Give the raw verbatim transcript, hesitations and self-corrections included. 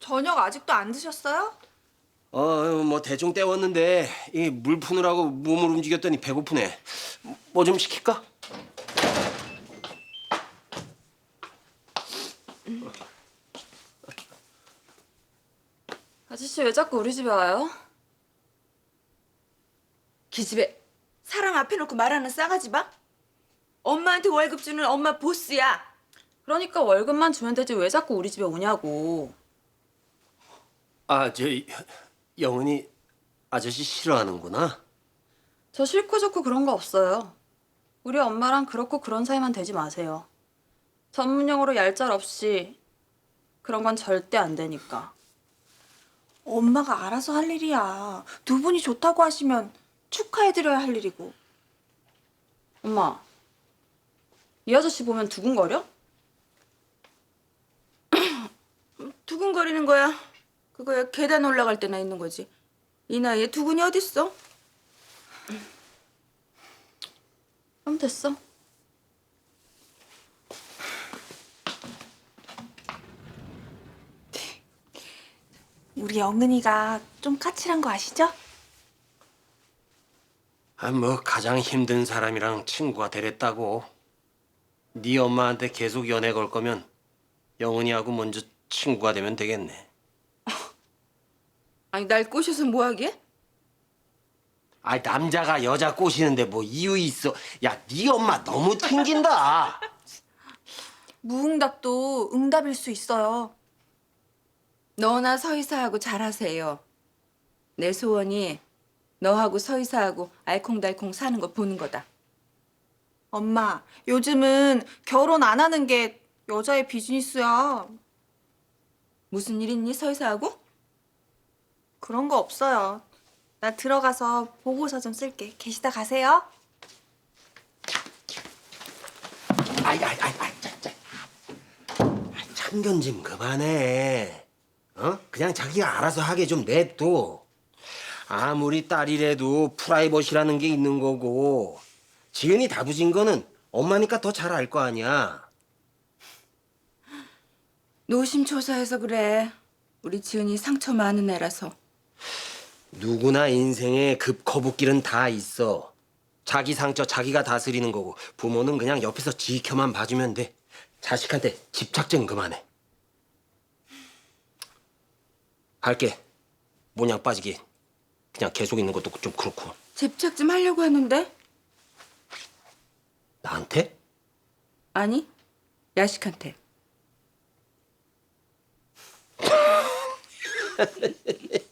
저녁 아직도 안 드셨어요? 어, 뭐 대충 때웠는데 이 물 푸느라고 몸을 움직였더니 배고프네. 뭐 좀 시킬까? 아저씨 왜 자꾸 우리 집에 와요? 기집애 사람 앞에 놓고 말하는 싸가지 봐? 엄마한테 월급 주는 엄마 보스야. 그러니까 월급만 주면 되지 왜 자꾸 우리 집에 오냐고. 아, 저 영은이 아저씨 싫어하는구나. 저 싫고 좋고 그런 거 없어요. 우리 엄마랑 그렇고 그런 사이만 되지 마세요. 전문용어로 얄짤 없이 그런 건 절대 안 되니까. 엄마가 알아서 할 일이야. 두 분이 좋다고 하시면 축하해드려야 할 일이고. 엄마, 이 아저씨 보면 두근거려? 두근거리는 거야. 그거야 계단 올라갈 때나 있는 거지. 이 나이에 두근이 어딨어? 그럼 됐어. 우리 영은이가 좀 까칠한 거 아시죠? 아, 뭐 가장 힘든 사람이랑 친구가 되랬다고. 네 엄마한테 계속 연애 걸 거면 영은이하고 먼저 친구가 되면 되겠네. 아니 날 꼬셔서 뭐하게? 아, 남자가 여자 꼬시는데 뭐 이유 있어? 야, 네 엄마 너무 튕긴다. 무응답도 응답일 수 있어요. 너나 서이사하고 잘하세요. 내 소원이 너하고 서이사하고 알콩달콩 사는 거 보는 거다. 엄마, 요즘은 결혼 안 하는 게 여자의 비즈니스야. 무슨 일 있니 서이사하고? 그런 거 없어요. 나 들어가서 보고서 좀 쓸게. 계시다 가세요. 아이, 아이, 아이, 아이, 자, 자. 아, 참견 좀 그만해. 어? 그냥 자기가 알아서 하게 좀 냅둬. 아무리 딸이라도 프라이버시라는 게 있는 거고, 지은이 다부진 거는 엄마니까 더 잘 알 거 아니야. 노심초사해서 그래. 우리 지은이 상처 많은 애라서. 누구나 인생에 급거북길은 다 있어. 자기 상처 자기가 다스리는 거고, 부모는 그냥 옆에서 지켜만 봐주면 돼. 자식한테 집착 좀 그만해. 갈게. 모냥 빠지게. 그냥 계속 있는 것도 좀 그렇고. 집착 좀 하려고 하는데? 나한테? 아니, 야식한테.